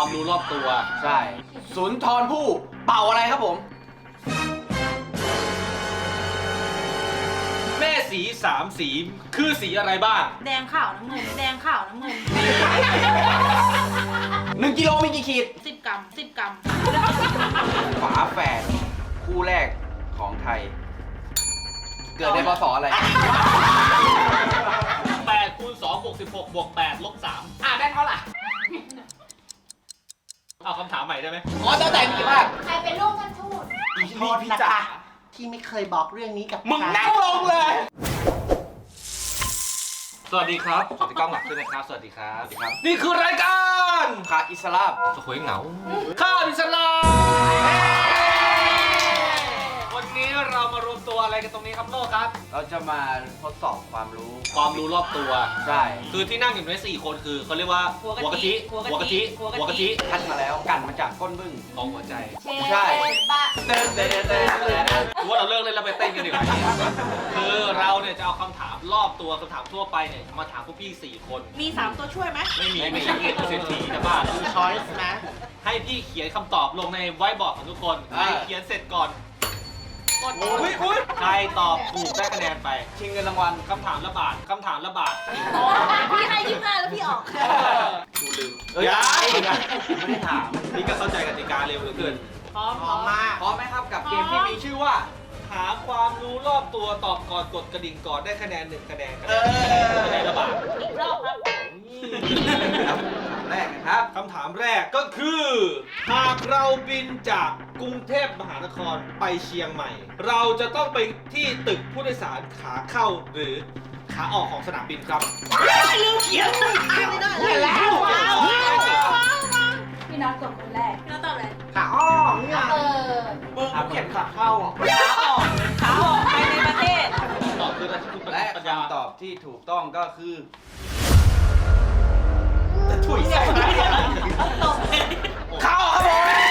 ความรู้รอบตัวใช่สุนทรภู่เป่าอะไรครับผมแม่สีสามสีคือสีอะไรบ้างแดงขาวน้ำเงิน แดงขาวน้ำเงิน 1 กิโลมีกี่ขีด 10 กรัม 10 กรัมฝาแฝดคู่แรกของไทย เกิดในพศอะไร 8 คูณ 2 บวก 16 บวก 8 ลบ 3 ได้เท่าไหร่เอาคำถามใหม่ได้ไหมอ๋อตั้งแต่มีกี่ภาคใครเป็นลูกท่านทูตโทษนะคะที่ไม่เคยบอกเรื่องนี้กับมึงนั่งลงเลยสวัสดีครับ สวัสดีกล้องหลักด้วยนะครับ สวัสดีครับ นี่คือรายการขาอิสลามสวยเหงา ข้าวอิสลามวันนี้เรามารวมตัวอะไรกันตรงนี้ครับโลกครับเราจะมาทดสอบความรู้ความรู้รอบตัวใช่คือที่นั่งอยู่ใน4 คนคือเขาเรียกว่าหัวกะทิหัวกะทิคัดมาแล้วกันมาจากก้นบึ้งของหัวใจใช่บ้าเต้นเต้นเต้นเต้นถือว่าเราเลิกเล่นแล้วไปเต้นกันดีกว่าคือเราเนี่ยจะเอาคำถามรอบตัวคำถามทั่วไปเนี่ยมาถามพวกพี่4 คนมี 3 ตัวช่วยไหมไม่มีเศรษฐีจะบ้าคือช้อยส์นะให้พี่เขียนคำตอบลงในไวท์บอร์ดของทุกคนใครเขียนเสร็จก่อนกดใครตอบถูกได้คะแนนไปชิงเงินรางวัลคำถามละบาทคำถามละบาทพี่ให้25แล้วพี่ออกกูลืมเอ้ยไม่ได้ถามนี่ก็เข้าใจกติกาเร็วเหลือเกินพร้อมพร้อมมากพร้อมไหมครับกับเกมที่มีชื่อว่าถามความรู้รอบตัวตอบก่อนกดกระดิ่งก่อนได้คะแนน1 คะแนนคะแนนละบาทอีกรอบครับแรกนะครับคำถามแรกก็คือ หากเราบินจากกรุงเทพมหานครไปเชียงใหม่ เราจะต้องไปที่ตึกผู้โดยสารขาเข้าหรือขาออกของสนามบินครับลืมเขียนไม่ได้แล้วพี่น็อตกดคนแรกพี่น้องตอบอะไรขาอ้อมเนี่ยเออมึงเขียนขาเข้าอ่ะขาออกไปในประเทศตอบคืออะไรคือและปัญญาคำตอบที่ถูกต้องก็คือถุยใส่ไหมตบเลยเข้าครับผม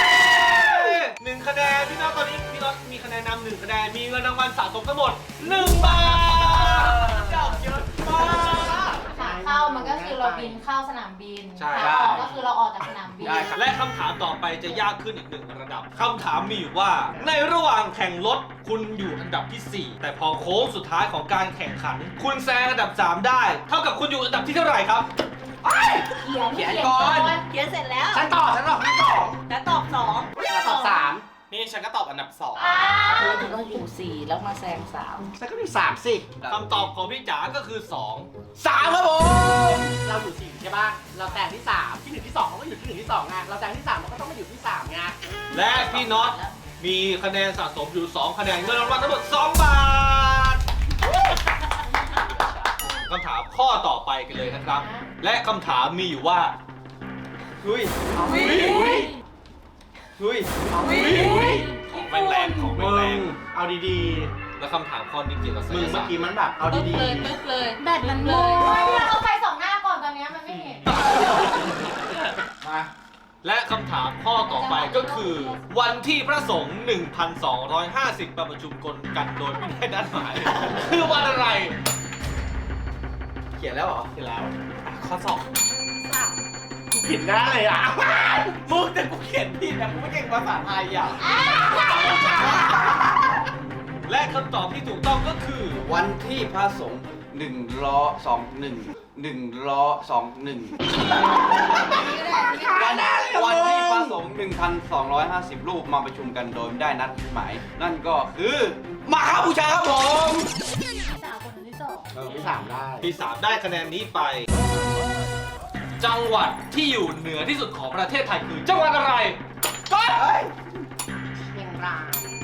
1 คะแนนพี่น้องตอนนี้พี่น้องมีคะแนนนำ1 คะแนนมีเงินรางวัลสะสมทั้งหมด1 บาทเจ้าเยอะมากขาเข้ามันก็คือเราบินเข้าสนามบินใช่ขาออกก็คือเราออกจากสนามบินได้ครับและคำถามต่อไปจะยากขึ้นอีก1 ระดับคำถามมีอยู่ว่า ในระหว่างแข่งรถคุณอยู่อันดับที่ 4 แต่พอโค้งสุดท้ายของการแข่งขัน คุณแซงอันดับ 3 ได้ เท่ากับคุณอยู่อันดับที่เท่าไหร่ครับเขียนก่อนเขียนเสร็จแล้วฉันตอบที่สองแล้วตอบตอบสามนี่ฉันก็ตอบอันดับเธอจะต้องอยู่4แล้วมาแซง3 ฉันก็อยู่สามสิ 2คำตอบของพี่จ๋าก็คือสามครับผมเราอยู่4ใช่ป่ะ เราแซงที่3ที่1ที่2เขาก็อยู่ที่1ที่2ไง เราแซงที่3เราก็ต้องมาอยู่ที่3ไง 2 และพี่น็อตมีคะแนนสะสมอยู่ 2 คะแนนเงินรางวัลทั้งหมด2 บาทคำถามข้อต่อไปกันเลยนะครับ และคำถามมีอยู่ว่าหุยของแรง ของแรงเอาดีและคำถามข้อนี้เกี่ยวกับๆไสมึงยเมื่อศาสตกี้ร์มันแบบเอาปึ๊บดีเลยปึ๊บเลยแบตมันหมดเอาไฟสองหน้าก่อนตอนนี้มันไม่เห็นๆ มาและคำถามข้อต่อไปก็คือ วันที่พระสงฆ์ 1,250 มาประชุมกันโดยไม่ได้นัดหมาย คือวันอะไรเขียนแล้วเหรอที่แล้วข้อสอบกูผิดหน้าเลยอ่ะมึงแต่กูเขียนผิดนะกูไม่เก่งภาษาไทยอ่ะและคำตอบที่ถูกต้องก็คือวันที่พระสงฆ์1 ล้อ 2 1 1 ล้อ 2 1 วันที่พระสงฆ์ 1,250 รูปมาประชุมกันโดยไม่ได้นัดหมาย นั่นก็คือมาฆบูชาครับผมสาวคนที่สองที่3ได้ที่ 3 ได้คะแนนนี้ไป จังหวัดที่อยู่เหนือที่สุดของประเทศไทยคือ จังหวัดอะไรก็เชียงราย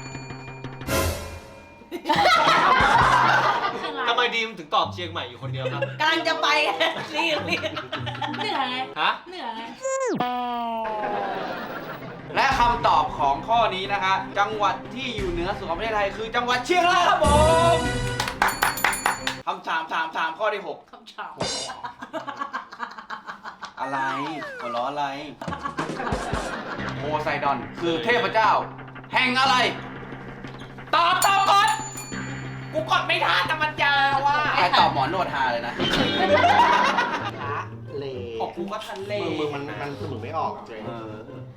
ทำไมดีมถึงตอบเชียงใหม่อยู่คนเดียวครับกำลังจะไปรีบเหนื่อยไงฮะเหนื่อยไงและคำตอบของข้อนี้นะคะ จังหวัดที่อยู่เหนือสุดของประเทศไทยคือจังหวัดเชียงรายครับผมคำถามข้อที่คำถาม 6 อะไรหัวล้ออะไรโพไซดอนคือเทพเจ้า แห่งอะไร ตอบก่อนกูกดไม่ทันแต่มันยาวว่ะใครตอบหมอนวดฮาเลยนะพระเลโอ้โหกูก็ทะเลมึงมันสมุนไม่ออกเจ๊เออ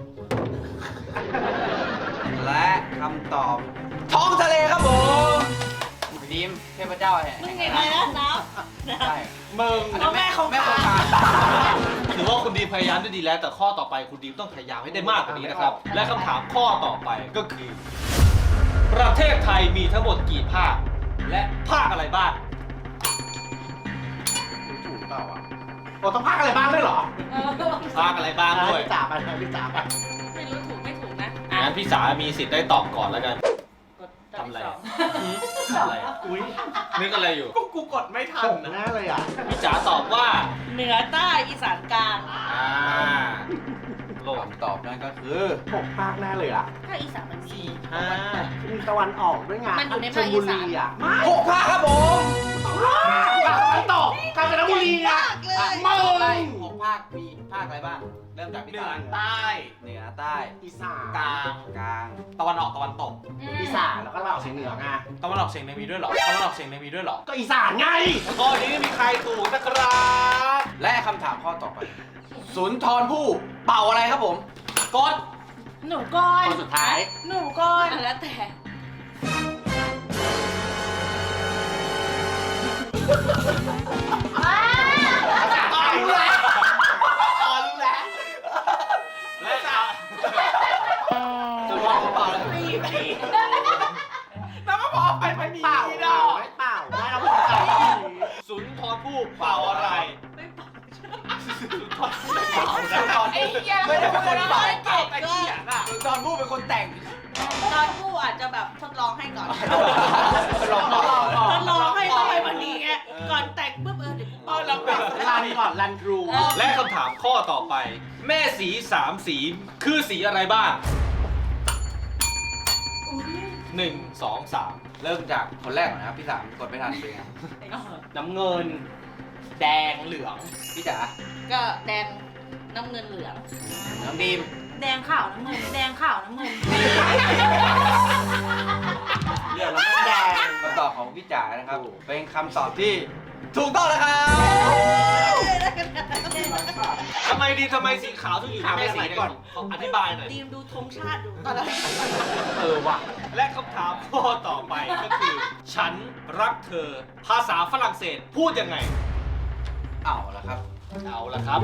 และคำตอบ ท้องทะเลครับผมดีมเทพเจ้าแห่งมึงไงนะน้ำใช่มึงเอาแม่ของแม่ขาของขาถือว่าคุณดีมพยายามได้ดีแล้ว แต่ข้อต่อไปคุณดีมต้องพยายามให้ได้มากกว่านี้นะครับ และคำถามข้อต่อไปก็คือ ประเทศไทยมีทั้งหมดกี่ภาค และภาคอะไรบ้างถูกเปล่าวะโอ้ต้องพักอะไรบ้างด้วยเหรอภาคอะไรบ้างด้วยพี่จ๋าไปพี่จ๋าไปไม่รู้ถูกไม่ถูกนะงั้นพี่สามีสิทธิ์ได้ตอบก่อนแล้วกันทำอะไรอะทำอะไรอะอุ้ยนึกอะไรอยู่กูกดไม่ทันแน่เลยอ่ะพี่จ๋าตอบว่าเหนือใต้อีสานกลางโลกคำตอบนั่นก็คือ 6 ภาคแน่เลยอ่ะถ้าอีสานมันมีมีตะวันออกด้วยไงมันอยู่ในชภาลคอีบุสานรีอ่ะไม่ 6 ภาคครับผมมันตกกาญจนบุรีอ่ะมาเลย6 ภาคมีภาคอะไรบ้าง เริ่มจากพี่เหนือตาใต้เหนือใต้อีสานกลางกลางตะวันออกตะวันตกอีสานแล้วก็ตะวันออกเฉียงเหนือไงตะวันออกเฉียงเหนือมีด้วยเหรอตะวันออกเฉียงเหนือมีด้วยเหรอก็อีสานไงข้อนี้ไม่มีใครถูกนะครับและคำถามข้อต่อไป สุนทรภู่เป่าอะไรครับผมกดหนูก้อนคนสุดท้ายหนูก้อนแล้วแต่รู้แล้วและจ๋าสุนทรภู่เป่าอะไรแล้วก็พอไปมันมีเปล่านี่เปดล่าอกไม่เปล่าไม่เราพูดกันสุนทรภู่เป่าอะไรไม่เป่าสุนทรภู่เป่าสุนทรไอ้ภู่เหี้ยไม่ได้เป็นคนเป่าเก่งแต่เขียนอ่ะสุนทรภู่เป็นคนแต่งตอนผู้อาจจะแบบทดลองให้ก่อนลองก่อนทดลองให้ต้องให้มันดีไงก่อนแต่งปุ๊บเดี๋ยวกูเป่าเราแบบรันก่อนรันทรูและคำถามข้อต่อไป แม่สีสามสีคือสีอะไรบ้าง 1 2 3 เริ่มจากคนแรกก่อนนะครับพี่สามกดไม่ทันเป็นไงน้ำเงิน แดงเหลืองพี่จ๋าก็แดงน้ำเงินเหลืองน้องดีมแดงขาวน้ำเงิน แดงขาวน้ำเงินเหลืองแล้วก็แดงคำตอบของพี่จ๋านะครับ เป็นคำตอบที่ถูกต้องแล้วครับทำไมสีขาวถึงอยู่ในแม่สีเนี่ยขออธิบายหน่อยดีมดูธงชาติดูว่ะ และคำถามข้อต่อไปก็คือ ฉันรักเธอ ภาษาฝรั่งเศสพูดยังไงเอาละครับเอาละครับ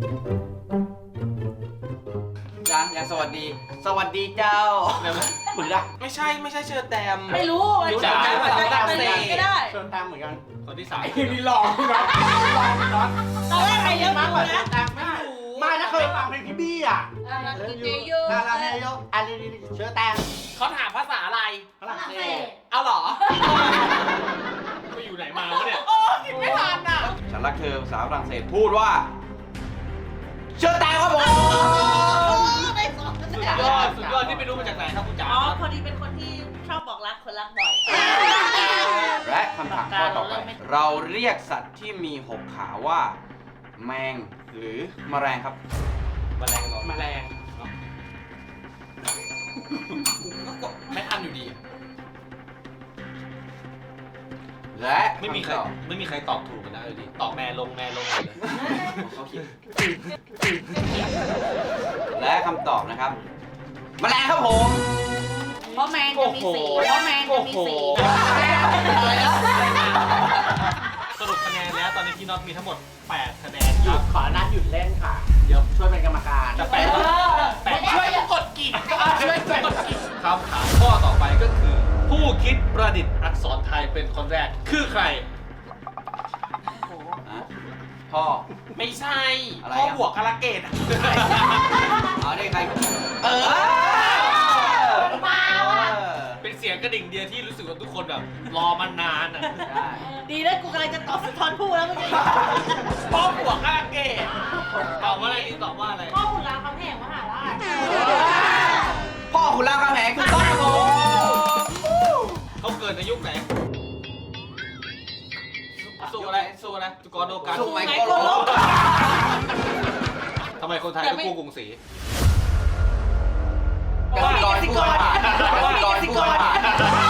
ยังสวัสดี สวัสดีเจ้าเหมือนกันไม่ใช่เชิญแตมไม่รู้รู้จักอาจจะเป็นอะไรก็ได้เชิญตามเหมือนกันคนที่สามนี่หลอกนะหลอกนะตอนแรกใครเลี้ยงดูนะไม่ถ้าเคยฟังเพลงพี่บี้อ่ะกินเจโยลาลาเฮโยอันนี้เชื้อแตงเขาถามภาษาอะไรฝรั่งเศสเอาเหรอไปอยู่ไหนมาวะเนี่ยโอ้คิดไม่ทันอ่ะฉันรักเธอภาษาฝรั่งเศสพูดว่า เชื่อแตงครับผมได้สองสุดยอดที่ไปรู้มาจากไหนครับคุณจ๋าอ๋อพอดีเป็นคนที่ชอบบอกรักคนรักบ่อยและคำถามข้อต่อไป เราเรียกสัตว์ที่มี6 ขาว่า แมงหรือแมลงครับแมลงเหรอแมลงก็กดไม่ทันอยู่ดีและไม่มีใครำตอบตอบถูกกันนะเลยดิตอบแม่ลงเลยเขาคิดและคำตอบนะครับ แมลงครับผมเพราะแมงจะมีสีเพราะแมงจะมีสีสรุปคะแนนแล้วตอนนี้พี่น็อตมีทั้งหมด 8 คะแนนหคยุรับดขอนัดหยุดเล่นค่ะ เดี๋ยวช่วยเป็นกรรมการจะแปดช่วยกดกิ่งช่วยกดกิ่งคำถามข้อต่อไปก็คือ ผู้คิดประดิษฐ์อักษรไทยเป็นคนแรกคือใครฮะพ่อไม่ใช่อะไรพ่ออ่ะบวกกาลเกตเอาได้ใครเออเป็นเสียงกระดิ่งเดียวที่รู้สึกว่าทุกคนแบบรอมานานอ่ะได้ดีนะกูกำลังจะตอบสุนทรภู่แล้วเมื่อกี้พ่อบวกกาลเกตตอบว่าอะไรนี่ตอบว่าอะไรพ่อขุนรามคำแหงมหาราชพ่อคุณรามคำแหงคือต้องครับผมเขาเกิดในยุคไหนสู้อะไรสู้นะจุกรโดกันสุไหมไหนโกกูโลรู้ทำไมคนไทยต้องกู้กรุงศรีกสิกรผู้ผ่าน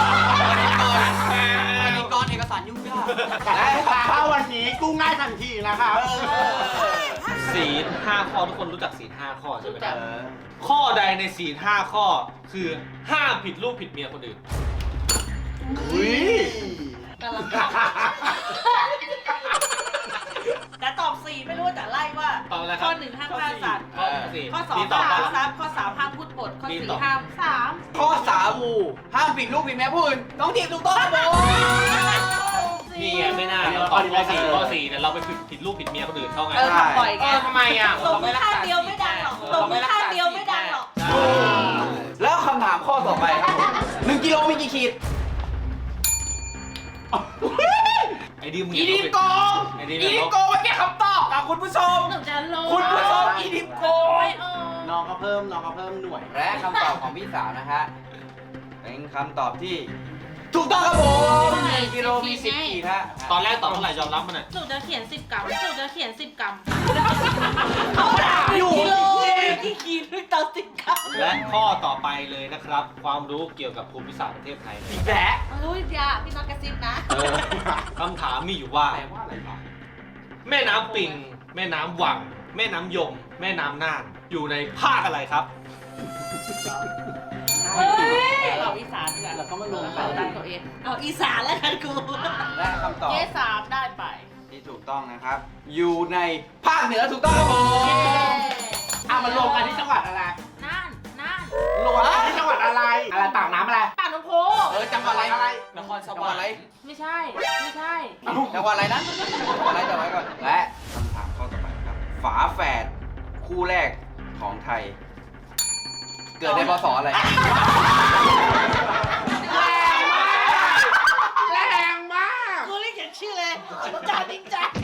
กสิกรเอกสารยุ่งยากแต่ลูกค้าเข้าวันนี้กู้ง่ายทันทีนะครับถ้าศีล5 ข้อทุกคนรู้จักศีล5 ข้อใช่ไหมครับเออข้อใดในศีล5 ข้อคือห้ามผิดลูกผิดเมียคนอื่นอุ้ยกำลังแต่ตอบ4ไม่รู้แต่ไล่ว่าตอบอะไรคข้รัอบ 1ห้ามฆ่าสัตว์ข้อสี่ข้อมี 2 ตอบห้ามว่าทรัพย์ข้อ3ห้ามพูดปดข้อมีตอบ 4ห้ามข้อ3ห้ามผิดลูกผิดแม่ผู้อื่นต้องทีบถูกต้องครับผมนี่ไงไม่น่าเราตอบข้อ 4เนี่ยเราไปผิดลูกผิดเมียคนอื่นเขาไงทำบ่อยไงทำไมอ่ะตบมือข้างเดียวไม่ดังหรอกตบมือข้างเดียวไม่ดังหรอกแล้วคำถามข้อต่อไปครับผม1 กิโลมีกี่ขีดไอ้ดิมอีดิมโกงไอ้ดิมอีดิมโกงแค่คำตอบครับคุณผู้ชมหนูจะรู้คุณผู้ชมอีดิมโกงน้องก็เพิ่มหน่วยและคำตอบของพี่สาวนะฮะเป็นคำตอบที่ถูกต้องครับผม1 กิโลมี10 ขีดฮะตอนแรกตอบเท่าไหร่ยอมรับมันหน่อยหนูจะเขียน10 กรัมหนูจะเขียน10 กรัมเขาถามอยู่กิโลกี่ขีดด้วยตอน10 กรัมและข้อต่อไปเลยนะครับ ความรู้เกี่ยวกับภูมิศาสตร์ประเทศไทยอีกแล้วรู้ยาพี่น้องกระซิบนะคำถามมีอยู่ว่าแปลว่าอะไรวะแม่น้ำปิง แม่น้ำวัง แม่น้ำยม แม่น้ำน่านอยู่ในภาคอะไรครับเราอีสานดีกว่าแล้วก็มารวมกัเรานตั้งตัวเองเอาอีสานแล้วกันกูและคำตอบเจ๊สามได้ไปที่ถูกต้องนะครับ อยู่ในภาคเหนือถูกต้องครับผมอ่ะมันรวมกันที่จังหวัดอะไรน่านน่านรวมกันที่จังหวัดอะไร อะไรปากน้ำอะไรปากน้ำโพจังหวัดอะไรนครสจังหววัรดรอะไรค์ไม่ใช่ ไม่ใช่จังหวัดอะไรนะจังหวัดอะไรจำไว้ก่อนและคำถามข้อต่อไปครับ ฝาแฝดคู่แรกของไทย เกิดในพศอะไรแรงมากกูเรียกอย่างชื่อเลยจ่านิงจ่า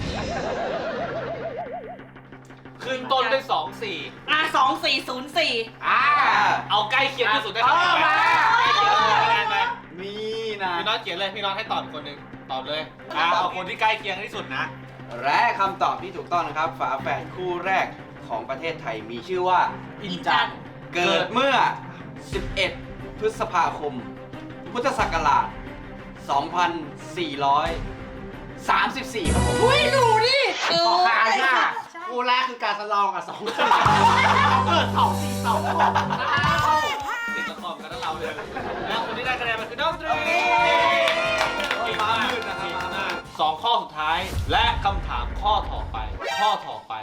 ขึ้นต้นด้วย2 2404 อ่า 4 เอาใกล้เคียงที่สุดได้คะแนนไปเอามาใกล้เคียงที่สุดได้คะแนนไปนี่นะพี่น้องเขียนเลยพี่น้องให้ตอบคนหนึ่งตอบเลยเอาคนที่ใกล้เคียงที่สุดนะและคำตอบที่ถูกต้องนะครับ ฝาแฝดคู่แรกของประเทศไทยมีชื่อว่าอินจันทร์เกิดเมื่อ 11 พฤษภาคม พุทธศักราช 2434 ครับผมอุ้ยรู้ดิขอคายมากคู่แรกคือการสลองกับ2 เกิด242 ติดละครกันทั้งเราเลยแล้วคนที่ได้คะแนนมันคือน้องตรีเก่งมากสองข้อสุดท้ายและคำถามข้อต่อไปข้อต่อไป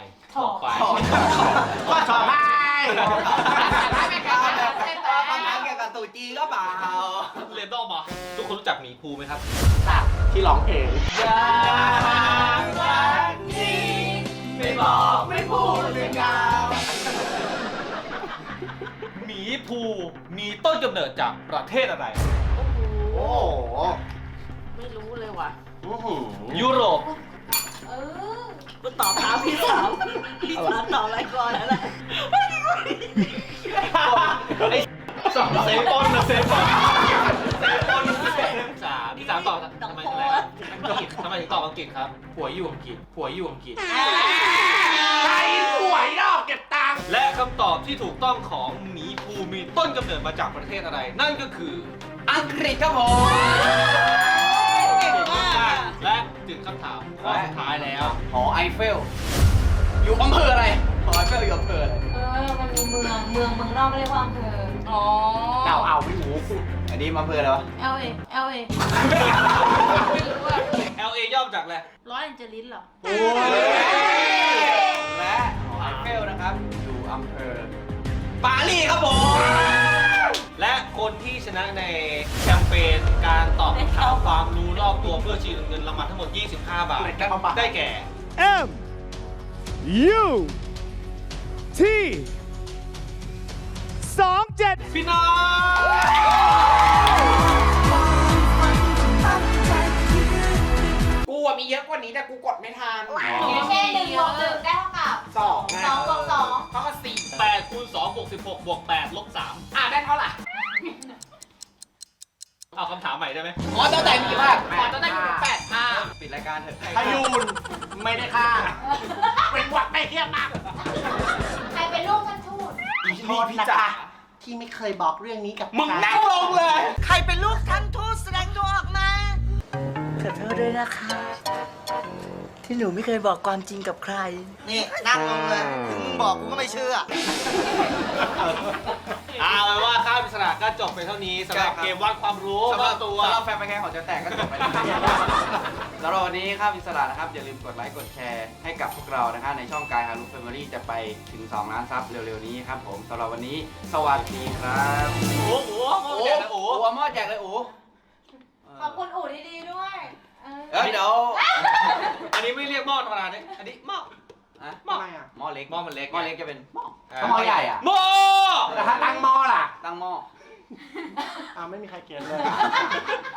ได้ไหมครับคำถามเกี่ยวกับตู่จีนก็เปล่าเรนดอมเหรอทุกคนรู้จักหมีภูไหมครับที่ร้องเพลงไม่บอกไม่พูดไม่กล่าวหมีภูมีต้นกำเนิดจากประเทศอะไรโอ้โหไม่รู้เลยว่ะยุโรปเออกูตอบตามพี่สาวตอบอะไรก่อนแล้วแหละไอ้สองเซฟบอลนะเซฟบอลพี่สามตอบทำไมอังกฤษทำไมถึงตอบอังกฤษครับผัวอยู่อังกฤษใครหวยดอกเก็บตังค์และคำตอบที่ถูกต้องของหมีภูมีต้นกำเนิดมาจากประเทศอะไร นั่นก็คืออังกฤษครับผมเก่งมากและถึงคำถามข้อสุดท้ายแล้วหอไอเฟล อยู่อำเภออะไร หอไอเฟลอยู่อำเภออะไรมันมีเมืองนอกเรียกว่าอำเภออ๋อเอาไม่รู้อันนี้อำเภออะไรวะ LA ไม่รู้อ่ะ LA ย่อมาจากอะไรร้อยแอนเจลิสเหรอโอ้ยและหอไอเฟลนะครับ อยู่อำเภอปารีสครับผมและคนที่ชนะในแคมเปญการตอบคำถามความรู้รอบตัวเพื่อชิงเงินรางวัลทั้งหมด 25 บาท ได้แก่ M U T 27 พี่น้องกูอะมีเยอะกว่านี้แต่กูกดไม่ทันแค่1 บวก 1ได้เท่ากับ 2 2 บวก 2 เท่ากับ4 8คูณ2บวก16บวก8ลบ3 ได้เท่าไหร่เอาคำถามใหม่ได้ไหมหอเจ้าแต่มีกี่ภาคขอจะได้8 ปิดรายการเถอะพยูนไม่ได้ค่า เป็นหวัดไม่เทียบมากใครเป็นลูกท่านทูตโทษนะคะที่ไม่เคยบอกเรื่องนี้กับมึงนั่งลงเลยใครเป็นลูกท่านทูตแสดงตัวออกมาขอโทษด้วยนะคะ ทที่หนูไม่เคยบอกความจริงกับใครนี่นั่งลงเลยถึงมึงบอกกูก็ไม่เชื่อเอาเป็นว่าข้ามอิสระก็จบไปเท่านี้สำหรับใช่ครับเกมวัดความรู้สำหรับตัวสำหรับแฟนแข่งของจะแตกก็จบไปแล้วสำหรับวันนี้ครับอิสระนะครับอย่าลืมกดไลค์กดแชร์ให้กับพวกเรานะครับในช่องกายฮารุแฟมิลี่จะไปถึง2 ล้านซับเร็วๆนี้ครับผมสำหรับวันนี้สวัสดีครับโอ้โหโอ้โอ้โหโหโอ้โหเอาหม้อแจกเลยโอ้ขอบคุณอู่ดีๆด้วยเดี๋ยวอันนี้ไม่เรียกหม้อธรรมดาเนี่ยอันนี้หม้ออะหม้อทำไมอ่ะหม้อเล็กหม้อมันเล็กหม้อเล็กจะเป็นหม้ออ่าถ้าหม้อใหญ่อะหม้อแต่ถ้าตั้งหม้อล่ะตั้งหม้อไม่มีใครเขียนเลย